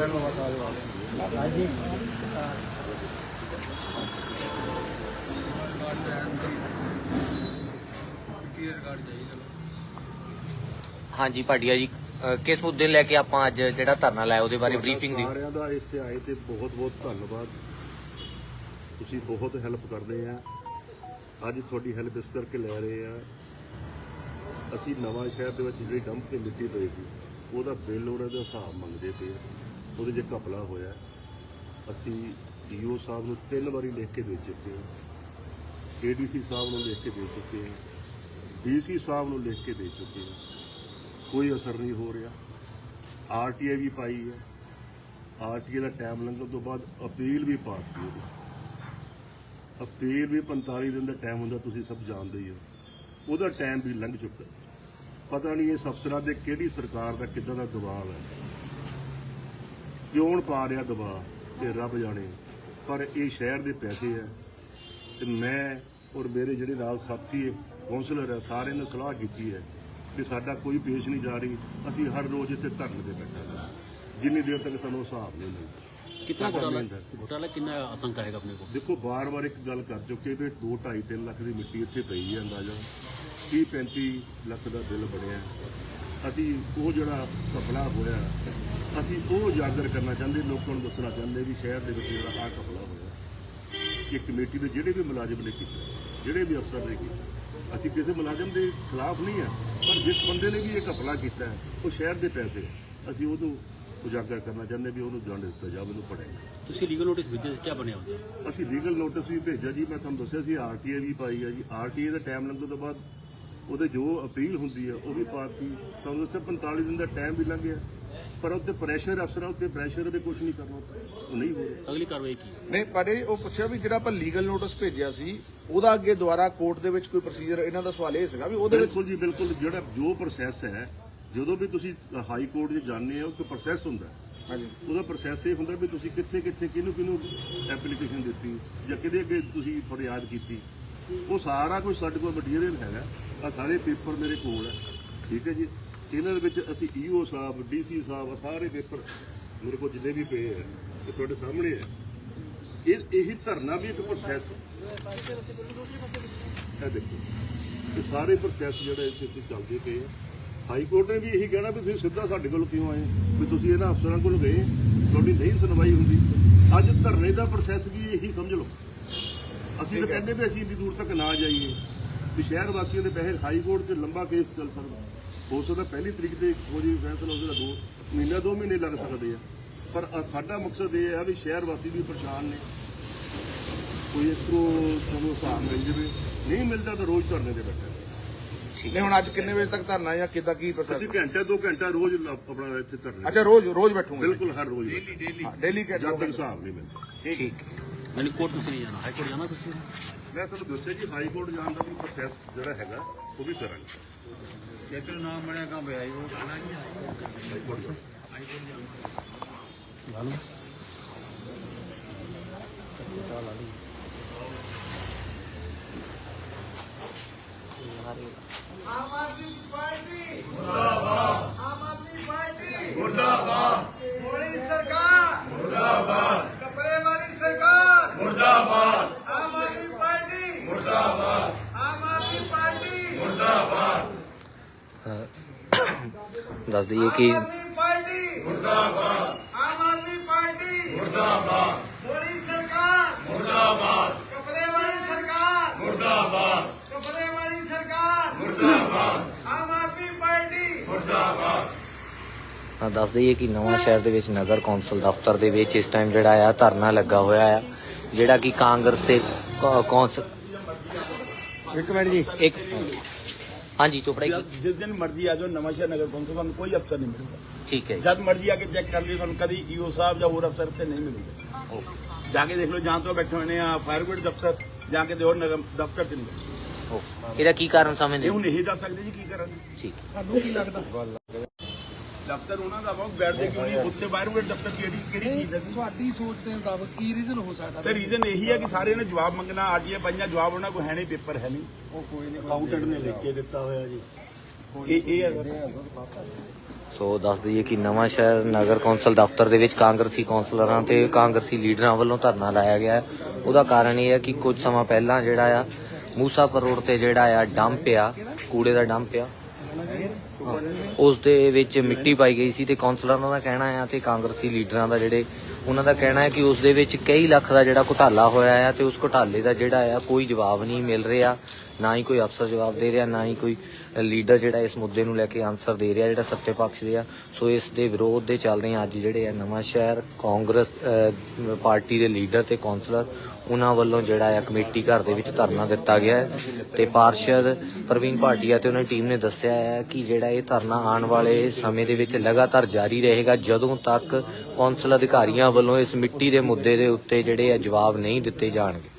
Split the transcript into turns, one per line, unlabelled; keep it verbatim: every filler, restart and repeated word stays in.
हाँ जी भाटिया जी, किस मुद्दे लैके आप अज जो धरना लाया उसके बारे ब्रीफिंग दी?
सारिਆਂ ਦਾ ਇੱਥੇ ਆਏ ਤੇ ਬਹੁਤ ਬਹੁਤ ਧੰਨਵਾਦ। ਤੁਸੀਂ ਬਹੁਤ ਹੈਲਪ ਕਰਦੇ ਆ। ਅੱਜ ਤੁਹਾਡੀ ਹੈਲਪ ਇਸ ਕਰਕੇ ਲੈ ਰਹੇ ਆ, ਅਸੀਂ ਨਵਾਂ ਸ਼ਹਿਰ ਦੇ ਵਿੱਚ ਜਿਹੜੀ ਡੰਪ ਤੇ ਮਿੱਟੀ ਪਈ ਸੀ ਉਹਦਾ ਬਿੱਲ ਉਹਨਾਂ ਦਾ ਹਿਸਾਬ ਮੰਗਦੇ ਪਏ। ਉਹਦੇ 'ਚ ਘਪਲਾ ਹੋਇਆ। ਅਸੀਂ ਡੀਓ ਸਾਹਿਬ ਨੂੰ ਤਿੰਨ ਵਾਰੀ ਲਿਖ ਕੇ ਦੇ ਚੁੱਕੇ ਹਾਂ, ਏਡੀਸੀ ਸਾਹਿਬ ਨੂੰ ਲਿਖ ਕੇ ਦੇ ਚੁੱਕੇ ਹਾਂ, ਡੀਸੀ ਸਾਹਿਬ ਨੂੰ ਲਿਖ ਕੇ ਦੇ ਚੁੱਕੇ ਹਾਂ। ਕੋਈ ਅਸਰ ਨਹੀਂ ਹੋ ਰਿਹਾ। ਆਰ ਟੀ ਆਈ ਵੀ ਪਾਈ ਹੈ। ਆਰ ਟੀ ਆਈ ਦਾ ਟਾਈਮ ਲੰਘਣ ਤੋਂ ਬਾਅਦ ਅਪੀਲ ਵੀ ਪਾਤੀ ਉਹਦੀ। ਅਪੀਲ ਵੀ ਪੰਤਾਲੀ ਦਿਨ ਦਾ ਟਾਈਮ ਹੁੰਦਾ, ਤੁਸੀਂ ਸਭ ਜਾਣਦੇ ਹੀ ਹੋ। ਉਹਦਾ ਟਾਈਮ ਵੀ ਲੰਘ ਚੁੱਕਾ। ਪਤਾ ਨਹੀਂ ਇਸ ਅਫਸਰਾਂ ਦੇ ਕਿਹੜੀ ਸਰਕਾਰ ਦਾ ਕਿੱਦਾਂ ਦਾ ਦਬਾਅ ਹੈ, ਕਿਉਂ ਪਾ ਰਿਹਾ ਦਬਾਅ ਤੇ ਰੱਬ ਜਾਣੇ। ਪਰ ਇਹ ਸ਼ਹਿਰ ਦੇ ਪੈਸੇ ਹੈ ਤੇ ਮੈਂ ਔਰ ਮੇਰੇ ਜਿਹੜੇ ਨਾਲ ਸਾਥੀ ਕੌਂਸਲਰ ਹੈ ਸਾਰਿਆਂ ਨੇ ਸਲਾਹ ਕੀਤੀ ਹੈ कि साडा कोई पेश नहीं जा रही। असी हर रोज इतने धरने पे बैठा जिन्नी देर तक सानू हिसाब नहीं मिलता।
कितना घोटाला घोटाला कितना आशंका है अपने को?
देखो बार बार एक गल कर चुके भी दो ढाई तीन लाख की मिट्टी इतने पई है, अंदाजा तीह पैंती लख का बिल बनया। असी वो जोड़ा घपला होया असी वो उजागर करना चाहते, लोगों को दसना चाहते भी शहर के जो आ घपला होया कि कमेटी के जोड़े भी मुलाजिम ने किया, जोड़े भी अफसर ने किया। ਅਸੀਂ ਕਿਸੇ ਮੁਲਾਜ਼ਮ ਦੇ ਖਿਲਾਫ ਨਹੀਂ ਹੈ, ਪਰ ਜਿਸ ਬੰਦੇ ਨੇ ਵੀ ਇਹ ਘਪਲਾ ਕੀਤਾ ਹੈ ਉਹ ਸ਼ਹਿਰ ਦੇ ਪੈਸੇ ਅਸੀਂ ਉਹਨੂੰ ਉਜਾਗਰ ਕਰਨਾ ਚਾਹੁੰਦੇ ਵੀ ਉਹਨੂੰ ਦੰਡ ਦਿੱਤਾ ਜਾਵੇ, ਉਹਨੂੰ ਪੜੇਗਾ।
ਤੁਸੀਂ ਲੀਗਲ ਨੋਟਿਸ ਭੇਜਿਆ ਸੀ, ਕੀ ਬਣਿਆ ਉਸ ਦਾ?
ਅਸੀਂ ਲੀਗਲ ਨੋਟਿਸ ਵੀ ਭੇਜਿਆ ਜੀ, ਮੈਂ ਤੁਹਾਨੂੰ ਦੱਸਿਆ ਸੀ ਆਰ ਟੀ ਆਈ ਵੀ ਪਾਈ ਹੈ ਜੀ। ਆਰ ਟੀ ਆਈ ਦਾ ਟਾਈਮ ਲੰਘਣ ਤੋਂ ਬਾਅਦ ਉਹਦੇ ਜੋ ਅਪੀਲ ਹੁੰਦੀ ਹੈ ਉਹ ਵੀ ਪਾਤੀ। ਤੁਹਾਨੂੰ ਦੱਸਿਆ ਪੰਤਾਲੀ ਦਿਨ ਦਾ ਟਾਈਮ ਵੀ ਲੰਘ ਗਿਆ, ਪਰ ਉੱਤੇ ਪ੍ਰੈਸ਼ਰ ਅਫਸਰਾਂ ਉੱਤੇ ਪ੍ਰੈਸ਼ਰ ਵੀ ਕੁਝ ਨਹੀਂ ਕਰਨਾ, ਉਹ ਨਹੀਂ ਹੋ ਰਿਹਾ।
ਅਗਲੀ ਕਾਰਵਾਈ ਕੀ
ਨਹੀਂ? ਪਰ ਇਹ ਉਹ ਪੁੱਛਿਆ ਵੀ ਜਿਹੜਾ ਆਪਾਂ ਲੀਗਲ ਨੋਟਿਸ ਭੇਜਿਆ ਸੀ ਉਹਦਾ ਅੱਗੇ ਦੁਬਾਰਾ ਕੋਰਟ ਦੇ ਵਿੱਚ ਕੋਈ ਪ੍ਰੋਸੀਜਰ, ਇਹਨਾਂ ਦਾ ਸਵਾਲ ਇਹ ਸੀਗਾ ਵੀ ਉਹਦੇ ਵਿੱਚ
ਬਿਲਕੁਲ ਜੀ ਬਿਲਕੁਲ। ਜਿਹੜਾ ਜੋ ਪ੍ਰੋਸੈਸ ਹੈ, ਜਦੋਂ ਵੀ ਤੁਸੀਂ ਹਾਈ ਕੋਰਟ 'ਚ ਜਾਂਦੇ ਹੋ ਇੱਕ ਪ੍ਰੋਸੈਸ ਹੁੰਦਾ।
ਹਾਂਜੀ, ਉਹਦਾ
ਪ੍ਰੋਸੈਸ ਇਹ ਹੁੰਦਾ ਵੀ ਤੁਸੀਂ ਕਿੱਥੇ ਕਿੱਥੇ ਕਿਹਨੂੰ ਕਿਹਨੂੰ ਐਪਲੀਕੇਸ਼ਨ ਦਿੱਤੀ ਜਾਂ ਕਿਹਦੇ ਅੱਗੇ ਤੁਸੀਂ ਫਰਿਆਦ ਕੀਤੀ, ਉਹ ਸਾਰਾ ਕੁਝ ਸਾਡੇ ਕੋਲ ਮਟੀਰੀਅਲ ਹੈਗਾ। ਆ ਸਾਰੇ ਪੇਪਰ ਮੇਰੇ ਕੋਲ ਹੈ, ਠੀਕ ਹੈ ਜੀ। ਇਹਨਾਂ ਦੇ ਵਿੱਚ ਅਸੀਂ ਈਓ ਸਾਹਿਬ, ਡੀਸੀ ਸਾਹਿਬ, ਸਾਰੇ ਪੇਪਰ ਮੇਰੇ ਕੋਲ ਜਿੰਨੇ ਵੀ ਪਏ ਹੈ ਇਹ ਤੁਹਾਡੇ ਸਾਹਮਣੇ ਹੈ। ਇਹ ਇਹੀ ਧਰਨਾ ਵੀ ਇੱਕ ਪ੍ਰੋਸੈਸ ਹੈ। ਇਹ ਦੇਖੋ ਇਹ ਸਾਰੇ ਪ੍ਰੋਸੈਸ ਜਿਹੜੇ ਇੱਥੇ ਚੱਲਦੇ ਪਏ ਆ। ਹਾਈ ਕੋਰਟ ਨੇ ਵੀ ਇਹੀ ਕਹਿਣਾ ਵੀ ਤੁਸੀਂ ਸਿੱਧਾ ਸਾਡੇ ਕੋਲ ਕਿਉਂ ਆਏ, ਵੀ ਤੁਸੀਂ ਇਹਨਾਂ ਅਫਸਰਾਂ ਕੋਲ ਗਏ, ਤੁਹਾਡੀ ਨਹੀਂ ਸੁਣਵਾਈ ਹੁੰਦੀ। ਅੱਜ ਧਰਨੇ ਦਾ ਪ੍ਰੋਸੈਸ ਵੀ ਇਹੀ ਸਮਝ ਲਓ। ਅਸੀਂ ਤਾਂ ਕਹਿੰਦੇ ਵੀ ਅਸੀਂ ਇੰਨੀ ਦੂਰ ਤੱਕ ਨਾ ਜਾਈਏ, ਵੀ ਸ਼ਹਿਰ ਵਾਸੀਆਂ ਦੇ ਪੈਸੇ ਹਾਈ ਕੋਰਟ 'ਚ ਲੰਬਾ ਕੇਸ ਚੱਲ ਸਕਦਾ। ਹੋ ਸਕਦਾ ਪਹਿਲੀ ਤਰੀਕ ਤੇ ਹੋ ਜੀ ਫੈਸਲਾ, ਉਹਦਾ ਦੋ ਮਹੀਨਾ ਦੋ ਮਹੀਨੇ ਲੱਗ ਸਕਦੇ ਆ। ਪਰ ਸਾਡਾ ਮਕਸਦ ਇਹ ਹੈ ਵੀ ਸ਼ਹਿਰ ਵਾਸੀ ਵੀ ਪਰੇਸ਼ਾਨ ਨੇ, ਕੋਈ ਇਸ ਤੋਂ ਸਾਨੂੰ ਹਿਸਾਬ ਮਿਲ ਜਾਵੇ। ਨਹੀਂ ਮਿਲਦਾ ਤਾਂ ਰੋਜ਼ ਧਰਨੇ ਤੇ ਬੈਠਾ।
ਨਹੀਂ ਹੁਣ ਅੱਜ ਕਿੰਨੇ ਵਜੇ ਤੱਕ ਧਰਨਾ ਜਾਂ ਕਿੱਦਾਂ ਕੀ ਪ੍ਰੋਸੈਸ?
ਅਸੀਂ ਘੰਟਾ ਦੋ ਘੰਟਾ ਰੋਜ਼ ਆਪਣਾ ਇੱਥੇ ਧਰਨਾ।
ਅੱਛਾ, ਰੋਜ਼ ਰੋਜ਼ ਬੈਠੂਗੇ?
ਬਿਲਕੁਲ ਹਰ ਰੋਜ਼
ਡੇਲੀ ਡੇਲੀ ਡੇਲੀ
ਜਦ ਤੱਕ ਹਿਸਾਬ ਨਹੀਂ ਮਿਲਦਾ।
ਠੀਕ
ਯਾਨੀ ਕੋਰਟ ਤੁਸੀਂ ਨਹੀਂ ਜਾਣਾ, ਹਾਈ ਕੋਰਟ ਜਾਣਾ ਤੁਸੀਂ?
ਮੈਂ ਤੁਹਾਨੂੰ ਦੱਸਿਆ ਜੀ ਹਾਈ ਕੋਰਟ ਜਾਣ ਦਾ ਵੀ ਪ੍ਰੋਸੈਸ ਜਿਹੜਾ ਹੈਗਾ ਉਹ ਵੀ ਕਰਾਂਗੇ।
ਜੇਕਰ ਨਾਮ ਬਣਿਆ ਕੰਮ ਹੈ ਉਹ ਕਰਨਾ ਨਹੀਂ ਹੈ ਹਾਈ ਕੋਰਟ ਹਾਈ ਕੋਰਟ ਜਾਣਾ
आम आदमी पार्टी मुर्दाबाद, आम आदमी पार्टी मुर्दाबाद, मोदी सरकार मुर्दाबाद, कपड़े वाली सरकार मुर्दाबाद, आम आदमी पार्टी मुर्दाबाद, आम आदमी पार्टी मुर्दाबाद।
दस दिए कि
आम आदमी पार्टी मुर्दाबाद, आम आदमी पार्टी मुर्दाबाद, मोदी सरकार मुर्दाबाद, कपड़े वाली सरकार मुर्दाबाद, कपड़े वाली सरकार मुर्दाबाद, आम आदमी पार्टी मुर्दाबाद।
दस दईए कि नवां शहर दे विच नगर कौंसल दफ्तर दे विच इस टाइम जिहड़ा आ धरना लगा होया है, जिहड़ा कि कांग्रेस ते कौंसल
एक मिनट जी
एक हाँ जी चोपड़ा
जिस दिन मर्जी आ जाओ नवां शहर नगर कौंसल में कोई अफसर नहीं मिलेगा।
ठीक है,
जब मर्जी आके चेक कर लियो, कभी ईओ साहब या और अफसर से नहीं मिलेंगे। जाके देख लो जहाँ तो बैठे हुए हैं फायर ब्रिगेड दफ्तर, जाके दो नगर दफ्तर से नहीं।
ਇਹਦਾ ਕੀ ਕਾਰਨ ਸਮਝਦੇ
ਹੁਣ ਨਹੀਂ ਦੱਸ ਸਕਦੇ ਜੀ ਕੀ ਕਰਾਂਗੇ।
ਠੀਕ
ਤੁਹਾਨੂੰ ਕੀ ਲੱਗਦਾ ਦਫ਼ਤਰ ਉਹਨਾਂ ਦਾ ਵਾ, ਬੈਠਦੇ ਕਿਉਂ ਨਹੀਂ ਉੱਥੇ ਬਾਹਰ ਉਹ ਦਫ਼ਤਰ ਕਿਹੜੀ ਕਿਹੜੀ ਚੀਜ਼ ਹੈ?
ਤੁਹਾਡੀ ਸੋਚ ਦੇ ਮੁਤਾਬਕ ਕੀ ਰੀਜ਼ਨ ਹੋ ਸਕਦਾ?
ਸਰ ਰੀਜ਼ਨ ਇਹੀ ਹੈ ਕਿ ਸਾਰੇ ਨੇ ਜਵਾਬ ਮੰਗਣਾ, ਅੱਜ ਇਹ ਪੰਜਾਂ ਜਵਾਬ ਉਹਨਾਂ ਕੋਲ ਹੈ ਨਹੀਂ, ਪੇਪਰ ਹੈ ਨਹੀਂ।
ਉਹ ਕੋਈ ਨਹੀਂ,
ਅਕਾਊਂਟੈਂਟ ਨੇ ਲਿਖ ਕੇ ਦਿੱਤਾ ਹੋਇਆ ਜੀ। ਇਹ ਇਹ ਹੈ
ਸੋ ਦੱਸ ਦਈਏ ਕਿ ਨਵਾਂ ਸ਼ਹਿਰ ਨਗਰ ਕੌਂਸਲ ਦਫ਼ਤਰ ਦੇ ਵਿੱਚ ਕਾਂਗਰਸੀ ਕੌਂਸਲਰਾਂ ਤੇ ਕਾਂਗਰਸੀ ਲੀਡਰਾਂ ਵੱਲੋਂ ਧਰਨਾ ਲਾਇਆ ਗਿਆ ਹੈ। ਉਹਦਾ ਕਾਰਨ ਇਹ ਹੈ ਕਿ ਕੁਝ ਸਮਾਂ ਪਹਿਲਾਂ ਜਿਹੜਾ ਆ ਮੂਸਾਪੁਰ ਰੋਡ ਤੇ ਜਿਹੜਾ ਆ ਡੰਪ ਆ, ਕੂੜੇ ਦਾ ਡੰਪ ਆ, ਉਸ ਦੇ ਵਿੱਚ ਮਿੱਟੀ ਪਾਈ ਗਈ ਸੀ ਤੇ ਕੌਂਸਲਰਾਂ ਦਾ ਕਹਿਣਾ ਆ ਤੇ ਕਾਂਗਰਸੀ ਲੀਡਰਾਂ ਦਾ ਜਿਹੜੇ ਉਹਨਾਂ ਦਾ ਕਹਿਣਾ ਹੈ ਕਿ ਉਸ ਦੇ ਵਿੱਚ ਕਈ ਲੱਖ ਦਾ ਜਿਹੜਾ ਘੁਟਾਲਾ ਹੋਇਆ ਆ ਤੇ ਉਸ ਘੁਟਾਲੇ ਦਾ ਜਿਹੜਾ ਆ ਕੋਈ ਜਵਾਬ ਨਹੀਂ ਮਿਲ ਰਿਹਾ, ਨਾ ਹੀ ਕੋਈ ਅਫਸਰ ਜਵਾਬ ਦੇ ਰਿਹਾ, ਨਾ ਹੀ ਕੋਈ ਲੀਡਰ ਜਿਹੜਾ ਇਸ ਮੁੱਦੇ ਨੂੰ ਲੈ ਕੇ ਆਨਸਰ ਦੇ ਰਿਹਾ ਜਿਹੜਾ ਸੱਤੇ ਪੱਖ ਦੇ ਆ। ਸੋ ਇਸ ਦੇ ਵਿਰੋਧ ਦੇ ਚੱਲਦੇ ਅੱਜ ਜਿਹੜੇ ਆ ਨਵਾਂ ਸ਼ਹਿਰ ਕਾਂਗਰਸ ਅ, ਪਾਰਟੀ ਦੇ ਲੀਡਰ ਤੇ ਕੌਂਸਲਰ ਉਹਨਾਂ ਵੱਲੋਂ ਜਿਹੜਾ ਆ ਕਮੇਟੀ ਘਰ ਦੇ ਵਿੱਚ ਧਰਨਾ ਦਿੱਤਾ ਗਿਆ ਹੈ ਤੇ ਪਾਰਸ਼ਦ ਪ੍ਰਵੀਨ ਭਾਟੀਆ ਤੇ ਉਹਨਾਂ ਦੀ ਟੀਮ ਨੇ ਦੱਸਿਆ ਹੈ ਕਿ ਜਿਹੜਾ ਇਹ ਧਰਨਾ ਆਉਣ ਵਾਲੇ ਸਮੇਂ ਦੇ ਵਿੱਚ ਲਗਾਤਾਰ ਜਾਰੀ ਰਹੇਗਾ ਜਦੋਂ ਤੱਕ ਕੌਂਸਲ ਅਧਿਕਾਰੀਆਂ ਵੱਲੋਂ ਇਸ ਮਿੱਟੀ ਦੇ ਮੁੱਦੇ ਦੇ ਉੱਤੇ ਜਿਹੜੇ ਆ ਜਵਾਬ ਨਹੀਂ ਦਿੱਤੇ ਜਾਣਗੇ।